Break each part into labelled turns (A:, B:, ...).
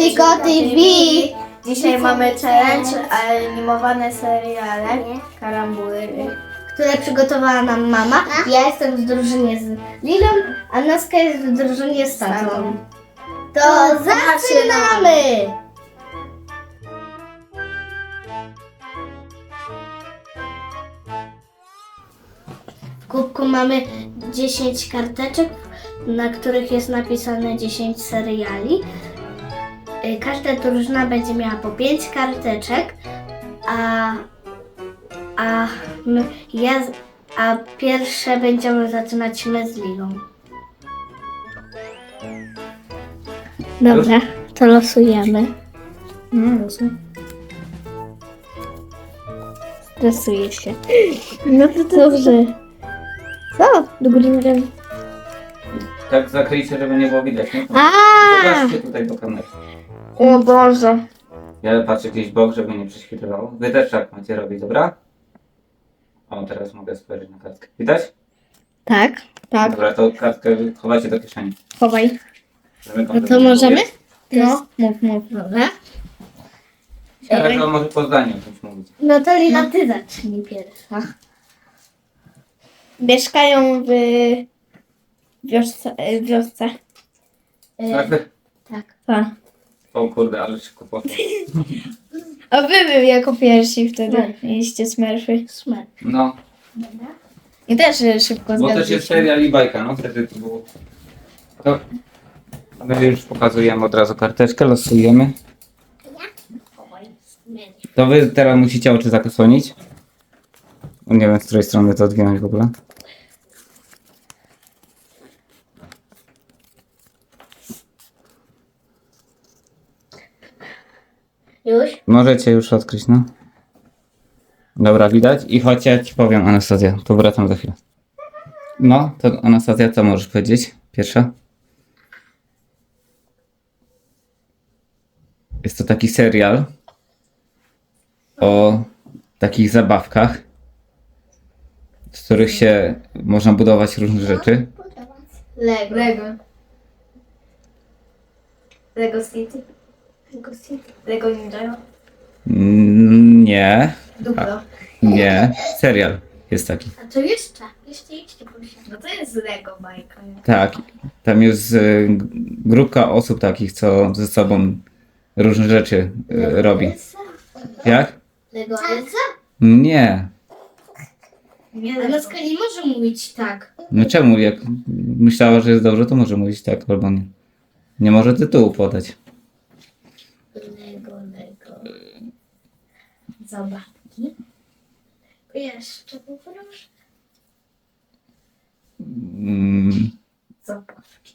A: Kotiko TV.
B: Dzisiaj mamy challenge, animowane seriale, karambury.
A: Które przygotowała nam mama. Ja jestem w drużynie z Lilą, a Naska jest w drużynie z tatą. To zaczynamy! W kubku mamy 10 karteczek, na których jest napisane 10 seriali. Każda drużyna będzie miała po 5 karteczek, a pierwsze będziemy zaczynać my z Lilą. Dobra, to losujemy. Stresuję się. No to dobrze. Co? Do góry nogami.
C: Tak zakryjcie, żeby nie było widać, nie?
A: A!
C: Pokażcie tutaj do kamery.
A: O Boże.
C: Ja patrzę gdzieś w bok, żeby nie prześwitlowało. Wy też tak macie robić, dobra? O, teraz mogę spojrzeć na kartkę. Widać?
A: Tak, tak.
C: Dobra, to kartkę chowajcie do kieszeni.
A: Chowaj.
C: Zamykam,
A: No
C: żeby
A: to
C: nie było
A: możemy?
C: widać.
A: No, mów. Dobra.
C: Ale to może po zdaniu o czymś mówić.
A: No to Lila, ty zacznij pierwsza.
B: Mieszkają w wiosce.
C: Tak?
A: Tak.
C: O kurde, ale szybko poszło.
B: A wy jako pierwsi wtedy mieliście smurfy.
A: Smer.
C: No,
B: I też szybko
C: bo też jest serial i bajka, no wtedy to było. To my już pokazujemy od razu karteczkę, losujemy. To wy teraz musicie oczy zasłonić. Nie wiem, z której strony to odwinąć w ogóle.
A: Już?
C: Możecie już odkryć, no. Dobra, widać? I choć ja ci powiem, Anastazja, to wracam za chwilę. No, to Anastazja, co możesz powiedzieć? Pierwsza? Jest to taki serial o takich zabawkach, z których się można budować różne rzeczy.
A: Lego.
B: Lego City. Lego Ninja.
C: Nie,
B: Duplo.
C: nie. Serial jest taki.
A: A to jeszcze proszę.
B: No to jest Lego bajka. Nie?
C: Tak, tam jest grupka osób takich, co ze sobą różne rzeczy robi. Jak?
A: Lego Elsa?
C: Nie.
B: Nie
A: A Naska nie może mówić tak.
C: No czemu? Jak myślała, że jest dobrze, to może mówić tak albo nie. Nie może tytułu podać.
A: Lego. Zabawki. Jeszcze poproszę.
C: Mm,
B: Zabawki.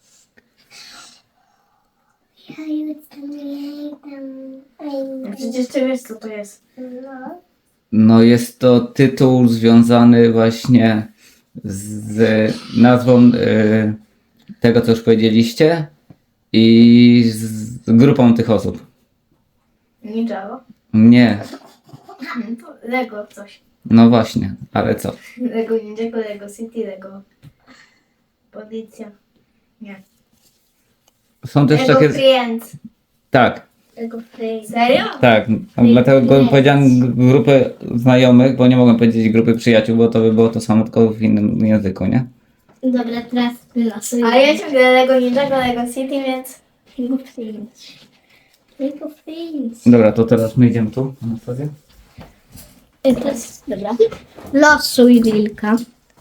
B: Przecież ty wiesz co to jest.
C: no jest to tytuł związany właśnie z nazwą tego, co już powiedzieliście i z grupą tych osób.
B: Ninjago.
C: Nie.
B: Lego coś.
C: No właśnie, ale co?
B: Lego Ninjago, Lego City, Lego Policja. Nie.
C: Są też
B: Lego
C: takie...
B: Friends.
C: Tak,
A: Lego Friends.
B: Serio?
C: tak. Dlatego powiedziałem grupy znajomych, bo nie mogłem powiedzieć grupy przyjaciół, bo to by było to samo, tylko w innym języku, nie?
A: Dobra, teraz wylosujemy.
B: Ale ja ciągle Lego Ninjago, Lego City, więc...
A: Lego Friends. Lego Friends.
C: Dobra, to teraz my idziemy tu, Anastazja.
A: Dobra. Losuj wilka.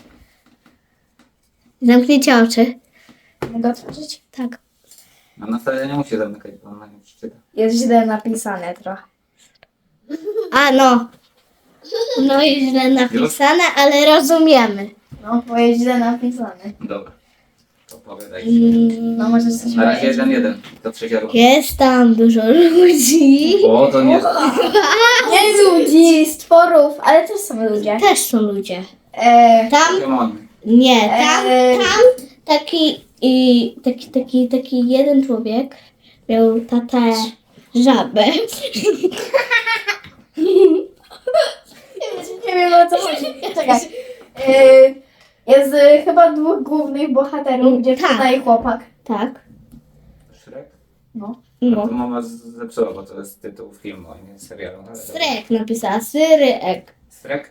A: Zamknijcie oczy.
B: Mogę otworzyć?
A: Tak.
C: Anastazja nie musi zamykać, bo ona nie przeczyta.
B: Jest źle napisane trochę.
A: A no. No i źle napisane, ale rozumiemy.
B: No, bo jest źle napisane.
C: Dobra. To powiadaj.
B: No może coś
C: Na razie 1-1 do trzeciego.
A: Jest tam dużo ludzi.
C: O, to nie...
B: Nie ludzi, stworów, ale też są ludzie.
A: Też są ludzie. Tam
C: Pokémony.
A: nie, tam
B: Eee.
A: taki jeden człowiek miał tatę żabę.
B: Nie wiem o co chodzi. Czekaj. Jest chyba dwóch głównych bohaterów, dziewczyna
A: Tak.
B: i chłopak.
A: Tak.
C: Shrek?
B: No.
A: No.
C: Mama zepsuła, bo to jest tytuł filmu, a nie serialu.
A: Srek napisała, Syryek.
C: Srek?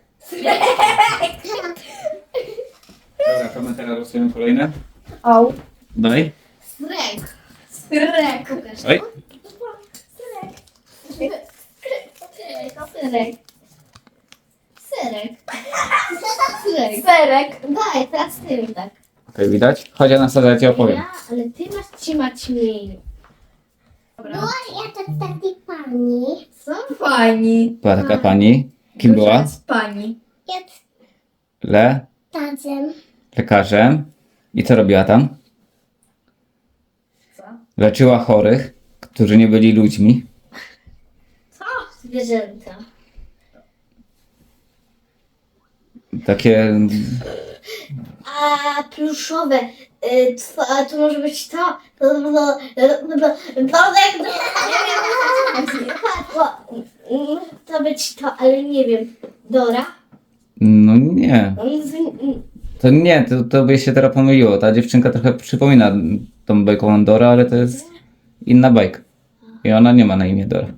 C: Dobra, to my teraz losujemy kolejne.
B: O.
C: Daj.
A: Srek.
B: Srek.
C: Oj.
A: Syrek. Syrek. Syrek.
B: Serek.
A: Daj, teraz ty mi tak.
C: Okej, widać? Chodź Anastazja, ja ci opowiem.
A: Ja, ale ty masz trzymać mniej.
B: Dobra.
A: Ja to taki pani.
B: Co pani?
C: Była taka pani. Kim
B: Duża
C: była?
B: jest pani.
A: Jest tacem.
C: Lekarzem. I co robiła tam?
B: Co?
C: Leczyła chorych, którzy nie byli ludźmi.
B: Co?
A: Zwierzęta.
C: Takie...
A: A pluszowe. A to może być to. To być to, ale nie wiem. Dora?
C: No nie. To nie, to by się teraz pomyliło. Ta dziewczynka trochę przypomina tą bajkową Dora, ale to jest inna bajka. I ona nie ma na imię Dora.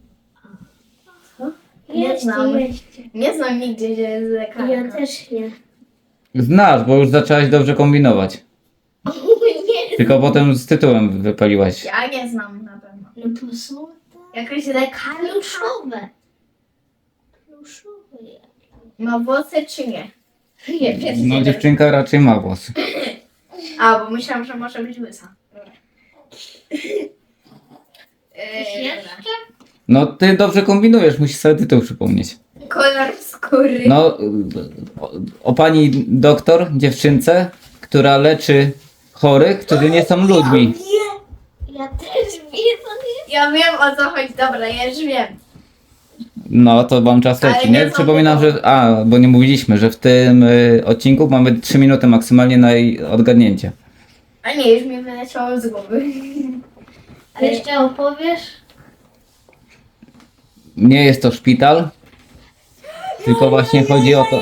B: Nie znam. Nie znam nigdzie, gdzie jest lekarka.
A: Ja też nie.
C: Znasz, bo już zaczęłaś dobrze kombinować.
A: Nie.
C: Tylko potem z tytułem wypaliłaś.
B: Ja nie znam na pewno.
A: No to są te
B: Jakaś lekarka.
A: pluszowe. Pluszowe.
B: Ma włosy czy nie?
A: Nie, wiem.
C: No dziewczynka raczej ma włosy.
B: A, bo myślałam, że może być łysa.
A: Jeszcze?
C: No ty dobrze kombinujesz, musisz sobie tytuł przypomnieć.
B: Kolor skóry.
C: No o pani doktor, dziewczynce, która leczy chorych, którzy nie są ludźmi.
A: Ja też wiem.
B: Ja wiem o co chodzi. Dobra, ja już wiem.
C: No to wam czas
B: Ale
C: leci,
B: nie
C: nie?
B: znam
C: Przypominam,
B: tego.
C: że... bo nie mówiliśmy, że w tym odcinku mamy 3 minuty maksymalnie na jej odgadnięcie.
B: A nie, już mi wyleciało z głowy.
A: A jeszcze opowiesz?
C: Nie jest to szpital, tylko właśnie chodzi o to...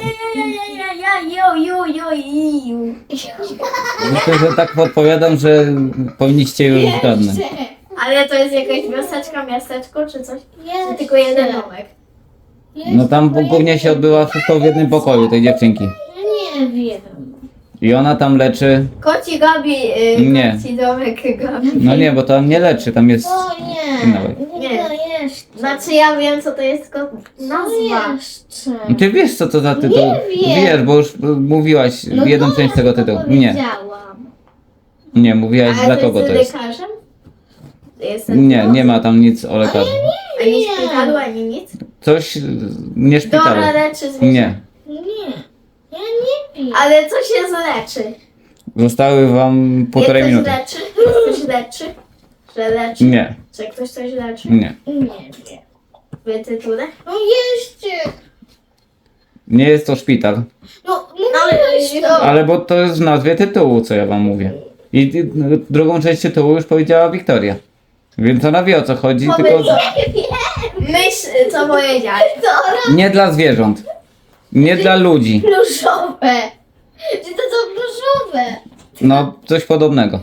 C: Myślę, że tak podpowiadam, że powinniście już zgadnąć.
B: Ale to jest jakaś wioseczka, miasteczko czy coś? Czy
A: Jeszcze.
B: tylko jeden domek?
C: No tam głównie się odbywa wszystko w jednym pokoju tej dziewczynki.
A: Nie wiem.
C: I ona tam leczy...
B: Koci Gabi,
C: Nie.
B: koci domek Gabi.
C: No nie, bo tam nie leczy, tam jest...
A: O nie.
C: Inna bajka.
A: Nie, to jeszcze.
B: Znaczy ja wiem co to jest, tylko
A: Co
B: nazwa.
A: jeszcze?
C: Ty wiesz co to za tytuł?
A: Nie wiem.
C: Wiesz, bo już mówiłaś jedną
A: dobra,
C: część tego
A: to
C: tytułu. Nie,
A: powiedziałam.
C: nie, mówiłaś
B: Ale
C: dla
B: to
C: kogo
B: jest
C: to
B: z
C: jest.
B: lekarzem? Jest ten
C: Nie,
B: tytuł?
C: nie ma tam nic o lekarzu.
B: Ani
A: Nie.
B: szpitalu, ani nic?
C: Coś nie szpitalu.
B: Dora leczy zwierzę.
C: Nie.
A: Nie. Ja nie wiem.
B: Ale co się zleczy?
C: Zostały wam półtorej
B: Ktoś
C: minuty.
B: leczy? Ktoś leczy? Że leczy?
C: Nie,
B: Czy ktoś coś leczy?
C: nie.
A: Nie wiem.
B: W tytule?
A: No jeszcze.
C: Nie jest to szpital.
A: No mówiłeś to.
C: Ale bo to jest w nazwie tytułu, co ja wam mówię. I drugą część tytułu już powiedziała Wiktoria. Więc ona wie o co chodzi, tylko
B: Myśl, co powiedziałeś.
C: nie dla zwierząt. Nie dla ludzi.
A: Pluszowe. Czy to są pluszowe?
C: No, coś podobnego.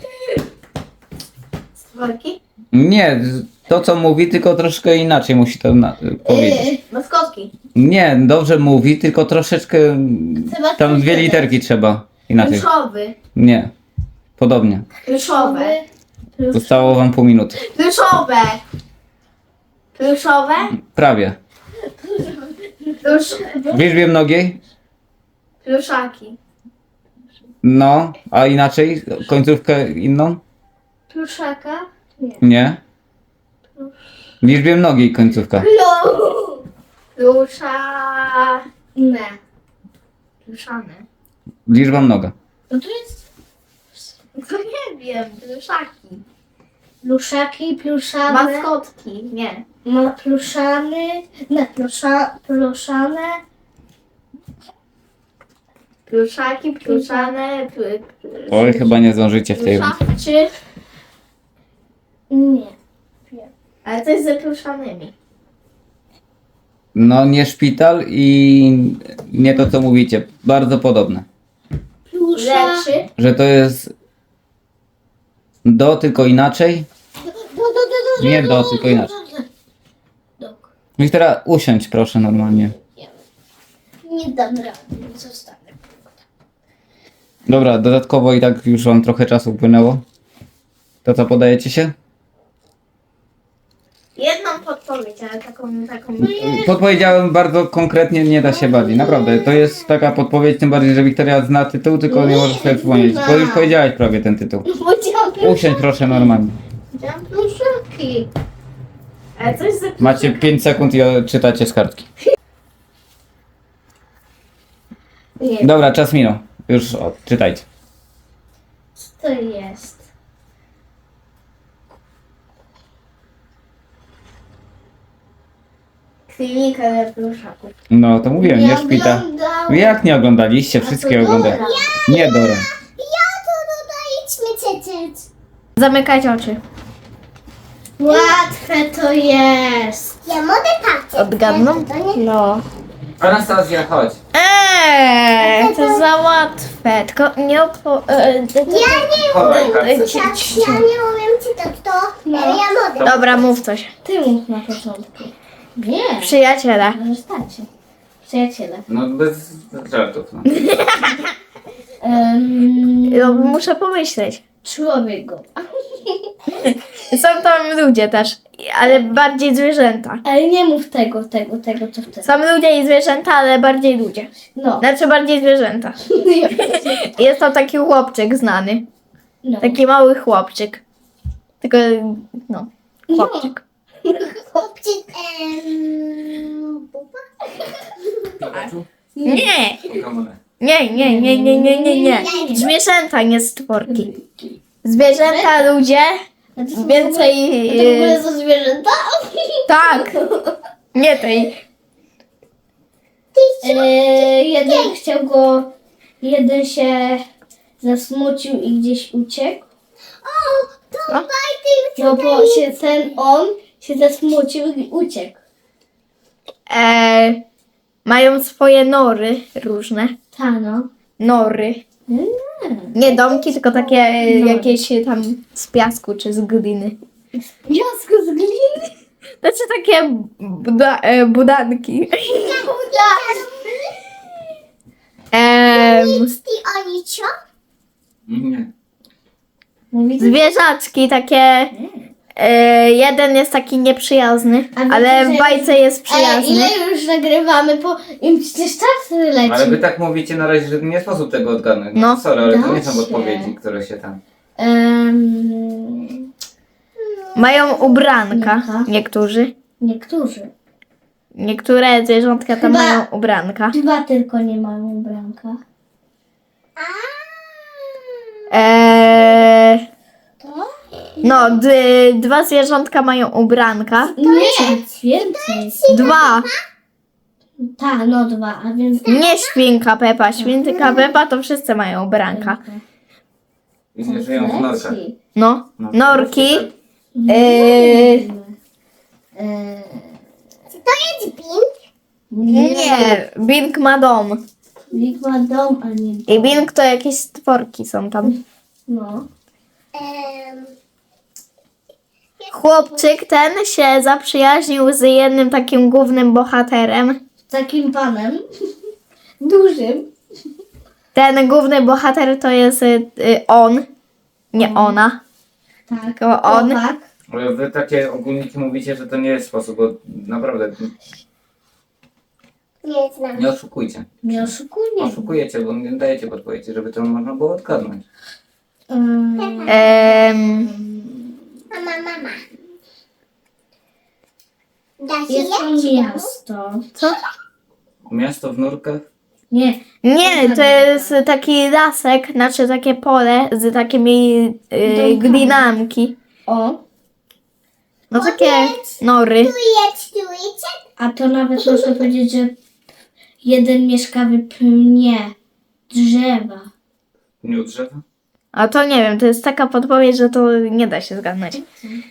B: Stworki?
C: Nie, to co mówi, tylko troszkę inaczej musi to powiedzieć.
B: Maskotki.
C: Nie, dobrze mówi, tylko troszeczkę
A: Trzeba
C: tam
A: coś
C: 2
A: dodać.
C: literki trzeba. Inaczej.
B: Pluszowy.
C: Nie. Podobnie.
B: Pluszowe.
C: Zostało wam pół minuty.
B: Pluszowe. Pluszowe?
C: Prawie. W liczbie mnogiej?
B: Pluszaki.
C: No, a inaczej? Końcówkę inną?
A: Pluszaka?
C: Nie. W liczbie mnogiej końcówka.
B: Plusza...
A: Nie.
B: Pluszane.
C: Liczba mnoga.
A: No to jest
B: To nie wiem. Pluszaki.
A: pluszaki, pluszane.
B: Maskotki. Nie.
A: Ma pluszany. Nie, pluszane.
B: Pluszaki, pluszane,
C: Oj, chyba nie zdążycie w tej rundzie.
B: pluszawczy.
A: Nie.
B: Ale to jest ze pluszanymi.
C: No, nie szpital i nie to co mówicie. Bardzo podobne.
A: Plusza.
B: Leczy.
C: Że to jest do, tylko inaczej. Nie do, tylko inaczej.
A: Dok.
C: I teraz usiądź proszę normalnie.
A: Nie dam rady, zostanę.
C: Dobra, dodatkowo i tak już wam trochę czasu upłynęło. To co, podajecie się?
B: Jedną podpowiedź, ale taką...
C: Podpowiedziałem bardzo konkretnie, nie da się bardziej. Naprawdę, to jest taka podpowiedź, tym bardziej, że Wiktoria zna tytuł, tylko nie może sobie przypomnieć. Bo już powiedziałeś prawie ten tytuł.
A: Powiedziałam
C: Usiądź proszę normalnie.
A: pluszaki.
B: Ale coś za...
C: Macie 5 sekund i czytacie z kartki.
A: Nie,
C: Dobra, czas minął. Już czytajcie.
A: co to jest?
B: Klinika dla pluszaków.
C: No to mówiłem, nie szpita.
A: oglądałam.
C: Jak nie oglądaliście? Wszystkie oglądałem. Nie, Dora.
A: Ja to dodaliśmy cycyc.
B: Zamykajcie oczy.
A: Łatwe to jest. Ja mogę patrzeć.
B: Odgadną? No.
C: Anastazja, chodź.
B: To za łatwe. Tylko nie
C: Chowaj kartę.
A: Ja nie umiem czytać to. Ja mogę.
B: Dobra, mów coś.
A: Ty mów na początku. Nie.
B: Przyjaciele.
A: Zostańcie. Przyjaciele.
C: No bez żartów. No.
B: No, muszę pomyśleć.
A: Człowiek go.
B: Są tam ludzie też, ale bardziej zwierzęta.
A: Ale nie mów tego, co chcesz.
B: Są ludzie i zwierzęta, ale bardziej ludzie.
A: No.
B: Znaczy bardziej zwierzęta. Jest to taki chłopczyk znany.
A: No.
B: Taki mały chłopczyk. Tylko, no, chłopczyk.
A: Chłopczyk,
B: Nie! Nie. Zwierzęta, nie stworki. Zwierzęta, ludzie, więcej...
A: To w ogóle są zwierzęta?
B: Tak! Nie tej.
A: Jeden się zasmucił i gdzieś uciekł.
B: Co?
A: No bo on się zasmucił i uciekł.
B: Mają swoje nory różne.
A: No.
B: Nory. Nie domki, tylko takie jakieś tam z piasku czy z gliny.
A: Piasku z gliny?
B: Znaczy takie budanki.
A: oni co?
C: Nie.
B: Zwierzaczki takie. Jeden jest taki nieprzyjazny,
A: A wiecie,
B: ale
A: że
B: w bajce jest przyjazny.
A: Ile już nagrywamy, bo im przecież czas leci.
C: Ale wy tak mówicie na razie, że nie sposób tego odgadnąć.
B: No.
C: Sorry, ale to nie
A: Da
C: są
A: się.
C: odpowiedzi, które się tam...
B: Mają ubranka.
A: Ubranka.
B: Niektórzy.
A: Niektórzy.
B: Niektóre zwierzątka tam
A: Chyba-
B: mają ubranka.
A: Dwa tylko nie mają ubranka.
B: No, dwa zwierzątka mają ubranka.
A: Nie, więcej.
B: Dwa.
A: Tak, no dwa, a więc...
B: Nie świnka Pepa. Świnka Pepa to wszyscy mają ubranka.
C: I nie żyją w norkach.
A: Leci.
B: No,
C: No.
B: norki. Nie, Bing ma dom.
A: Wilk ma dom, a nie...
B: I Bing to jakieś stworki są tam.
A: No.
B: Chłopczyk ten się zaprzyjaźnił z jednym takim głównym bohaterem.
A: Z takim panem. Dużym.
B: Ten główny bohater to jest on, nie ona,
A: Tak.
B: tylko on.
A: Chłopak.
C: Ale wy takie ogólniki mówicie, że to nie jest sposób, bo naprawdę
A: Nie znam.
C: nie oszukujcie.
A: Nie oszukujmy.
C: Oszukujecie, bo nie dajecie podpowiedzi, żeby to można było odgadnąć.
A: Mama. Jest to miasto.
B: Co?
C: Miasto w nurkach?
A: Nie.
B: Nie, to jest taki lasek, znaczy takie pole z takimi glinamki.
A: O.
B: No takie nory.
A: A to nawet można powiedzieć, że jeden mieszka w pnie drzewa.
C: Nie u drzewa?
B: A to nie wiem, to jest taka podpowiedź, że to nie da się zgadnąć.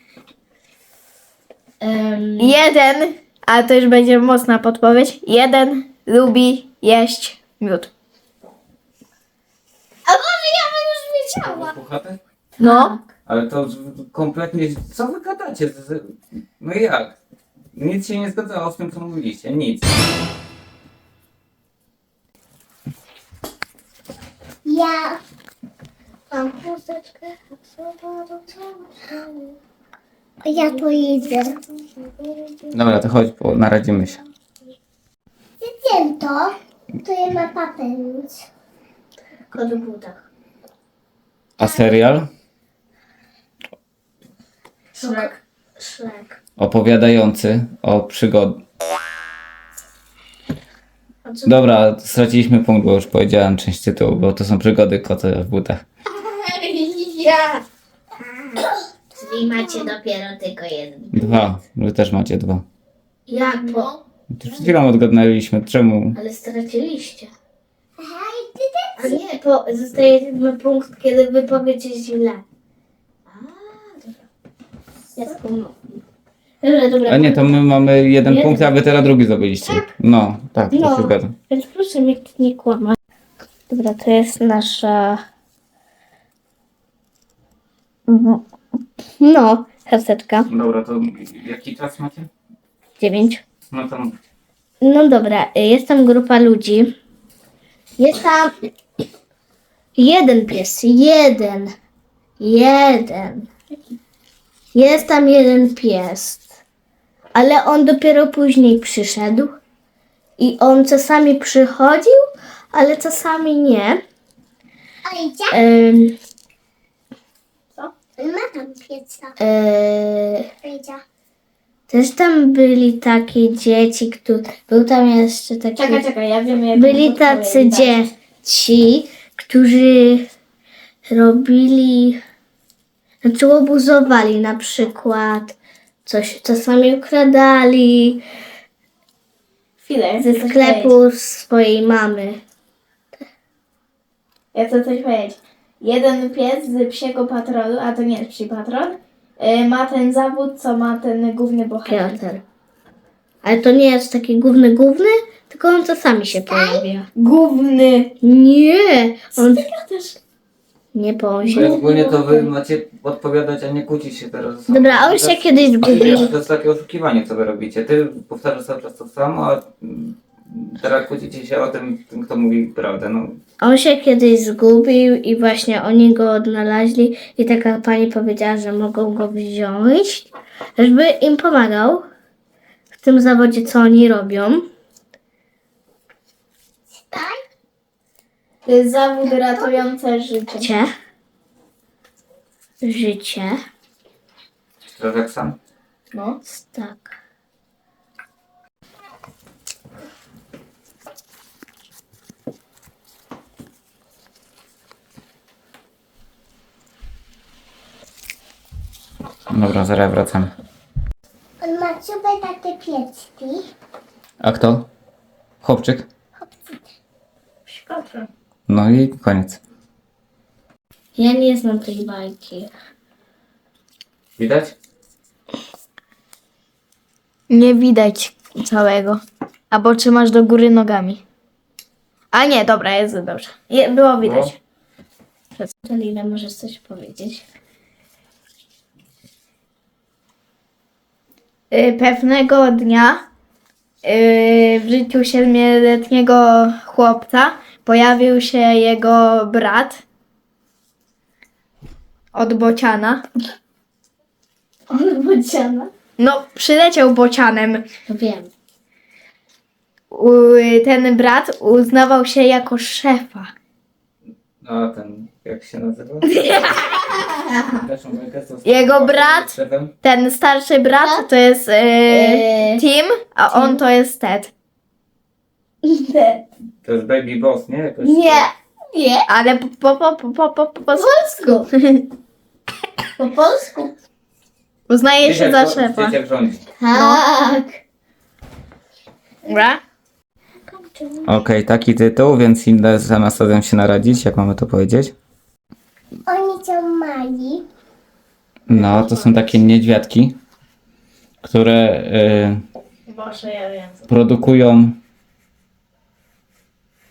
B: Jeden, ale to już będzie mocna podpowiedź, jeden lubi jeść miód.
A: A może ja bym już wiedziała.
C: Puchaty?
B: No,
C: Ale to kompletnie... Co wy gadacie? No jak? Nic się nie zgadzało z tym, co mówiliście. Nic.
A: Ja mam chusteczkę. Ja to idę.
C: Dobra, to chodź, naradzimy się.
A: Wiem to. To je ma papieros. Kod w butach.
C: A serial?
A: Szlak.
C: Opowiadający o przygody. Dobra, straciliśmy punkt, bo już powiedziałem część tytułu, bo to są przygody kota w butach.
A: Ja. Czyli macie dopiero tylko jeden.
C: 2. Wy też macie 2.
A: Jak po?
C: Przed chwilą odgadnęliśmy, czemu.
A: Ale straciliście. A nie, zostaje jeden punkt, kiedy wypowiecie źle. A, dobra. Ja spomnę. Dobra.
C: A nie, to my mamy jeden
A: Jeden.
C: punkt, a wy teraz drugi zdobyliście. No, tak, to
A: No.
C: się zgadza.
A: Więc proszę mnie nie kłamać. Dobra, to jest nasza... No, karteczka.
C: Dobra, to jaki czas macie?
A: 9.
C: No to
A: No dobra, jest tam grupa ludzi. Jest tam jeden pies. Jeden. Jest tam jeden pies. Ale on dopiero później przyszedł. I on czasami przychodził, ale czasami nie.
D: A idzie?
A: Co?
D: Ma tam pieca. Idzie.
A: Też tam byli takie dzieci, które... Był tam jeszcze taki...
B: Czekaj, ja wiem jak
A: Byli tacy dzieci, którzy robili, znaczy obuzowali na przykład, coś czasami ukradali
B: Chwilę,
A: ze sklepu swojej mamy.
B: Ja chcę coś powiedzieć. Jeden pies z psiego patrolu, a to nie jest psi patrol, ma ten zawód, co ma ten główny bohater.
A: Piotr. Ale to nie jest taki główny, tylko on czasami się pojawia.
B: Główny.
A: Nie! On
B: też.
A: nie
C: Bo
A: powie.
C: ogólnie to wy macie odpowiadać, a nie kłócić się teraz. ze sobą.
A: Dobra, a on się kiedyś zgubił.
C: To jest takie oszukiwanie, co wy robicie. Ty powtarzasz cały czas to samo, a teraz kłócicie się o tym, kto mówi prawdę. No,
A: On się kiedyś zgubił i właśnie oni go odnaleźli i taka pani powiedziała, że mogą go wziąć, żeby im pomagał w tym zawodzie, co oni robią.
B: To jest zawód ratujący życie.
A: Życie.
C: teraz jak sam.
B: No.
A: Tak.
C: Dobra, zaraz wracamy.
D: On ma super takie piecki.
C: A kto? Chłopczyk?
B: Szkoda.
C: No i koniec.
A: Ja nie znam tej bajki.
C: Widać?
B: Nie widać całego. Albo trzymasz do góry nogami. A nie, dobra, jest dobrze. Było widać.
A: To Lila, możesz coś powiedzieć?
B: Pewnego dnia w życiu 7-letniego chłopca pojawił się jego brat od bociana.
A: On bociana.
B: No, przyleciał bocianem.
A: Wiem.
B: Ten brat uznawał się jako szefa.
C: A ten, jak się nazywa?
B: Jego brat,
C: Szefem?
B: ten starszy brat to jest Tim, a on to jest Ted.
C: To jest Baby Boss, nie? Jakoś...
A: Nie.
B: Ale po
A: polsku. Po polsku.
B: uznaje się za
C: Dzieciak
B: szefa.
C: Dzieciak rządzi.
A: Tak.
B: Dobra?
C: Okej, taki tytuł, więc idę z Anastazją się naradzić, jak mamy to powiedzieć.
D: Oni są mali.
C: No, to są takie niedźwiadki, które
B: Boże, ja wiem.
C: produkują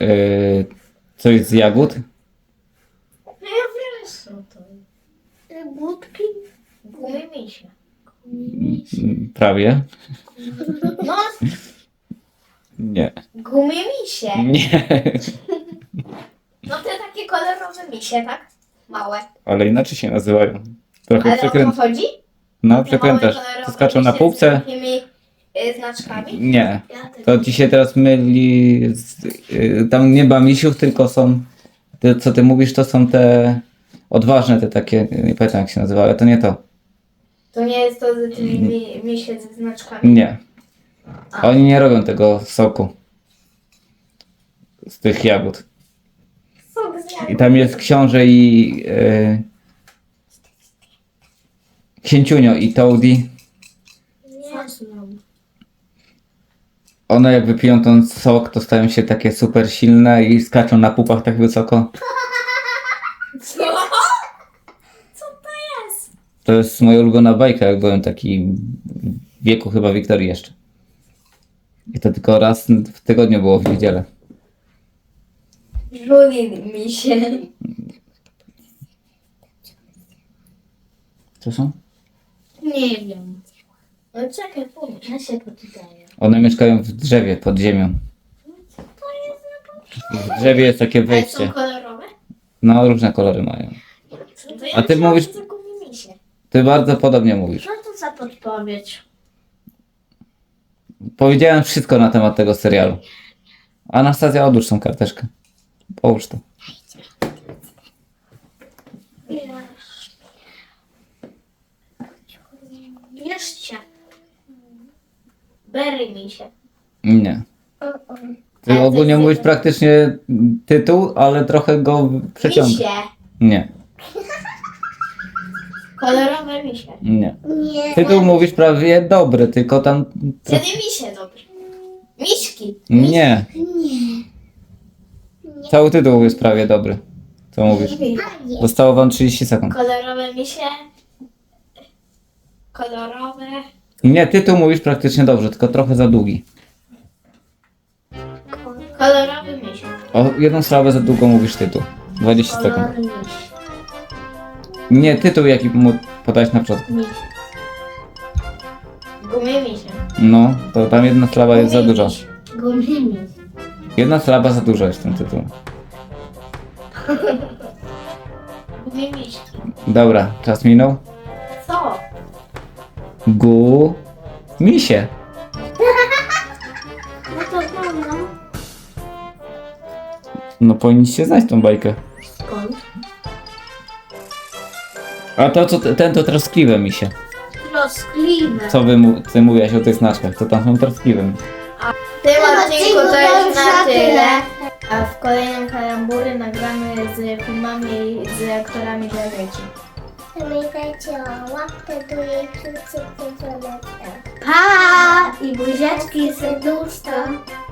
C: coś z jagód.
A: Kołódki?
B: Gumy misie.
C: Prawie.
B: No,
C: Nie.
B: gumy misie.
C: Nie.
B: No te takie kolorowe misie, tak? Małe.
C: Ale inaczej się nazywają. Trochę
B: Ale o to
C: przekręt.
B: chodzi?
C: No,
B: Te
C: przekrętasz.
B: małe kolorowe
C: To skaczą na
B: misie
C: półce.
B: Z takimi znaczkami?
C: Nie.
A: Ja też.
C: To ci się teraz myli. Tam nie ma misiów, tylko są. Te, co ty mówisz, to są te odważne, te takie. Nie pamiętam jak się nazywa, ale to nie to.
B: To nie jest to z tymi misie ze znaczkami?
C: Nie. Oni nie robią tego soku. Z tych jagód.
B: Sok z jagód.
C: I tam jest książę i Księciunio i Toady.
A: Nie znam.
C: One jak wypiją ten sok, to stają się takie super silne i skaczą na pupach tak wysoko.
B: Co? Co to jest?
C: To jest moja ulubiona bajka, jak byłem taki w wieku chyba Wiktorii jeszcze. I to tylko raz w tygodniu było w niedzielę.
B: Żuli misie.
C: Co są?
A: Nie wiem.
B: No czekaj, pomyśl.
A: Ja się poczytaję.
C: One mieszkają w drzewie pod ziemią. W drzewie jest takie
B: Ale są
C: wejście.
B: kolorowe?
C: No, różne kolory mają.
B: To ja
C: A ty
B: myślałam,
C: mówisz-
B: że to gumy misie.
C: Ty bardzo podobnie mówisz.
A: Co to za podpowiedź?
C: Powiedziałem wszystko na temat tego serialu. Anastazja, odłóż tą karteczkę. Połóż to.
A: Jeszcze.
B: Berry misie.
C: Nie. Ty ogólnie mówisz praktycznie tytuł, ale trochę go przeciągasz.
B: Misie.
C: Nie,
B: Kolorowe misie.
C: nie.
D: Nie.
C: Tytuł mówisz prawie dobry, tylko tam...
B: Wtedy misie dobry. Miśki.
C: Nie. Cały tytuł jest prawie dobry. Co mówisz? Zostało wam 30 sekund.
B: Kolorowe misie. Kolorowe.
C: Nie, tytuł mówisz praktycznie dobrze, tylko trochę za długi.
B: Kolorowy misie.
C: O jedną sprawę za długo mówisz tytuł. 20 sekund.
A: Kolor miś.
C: Nie, tytuł jaki mu podać na początku.
A: Miś.
B: Gumy misie.
C: No, to tam jedna sylaba jest za
B: Gumy
C: dużo.
B: miś.
A: Gumimi.
C: Jedna sylaba za dużo jest w tym tytułu.
B: Gumy miśki.
C: Dobra, czas minął.
B: Co?
C: Misie.
A: No to wolno.
C: No powinniście znać tą bajkę.
A: Skąd?
C: A to co, ten to troskliwe misie.
A: Troskliwe.
C: Co ty mówiłaś o tych znaczkach, to tam są troskliwe.
B: W tym odcinku to już na tyle. A w kolejnym kalambury nagramy z filmami z aktorami dla dzieci.
D: Pamiętajcie o łapkę do jej subskrypcji.
A: Pa! I buziaczki, serduszka.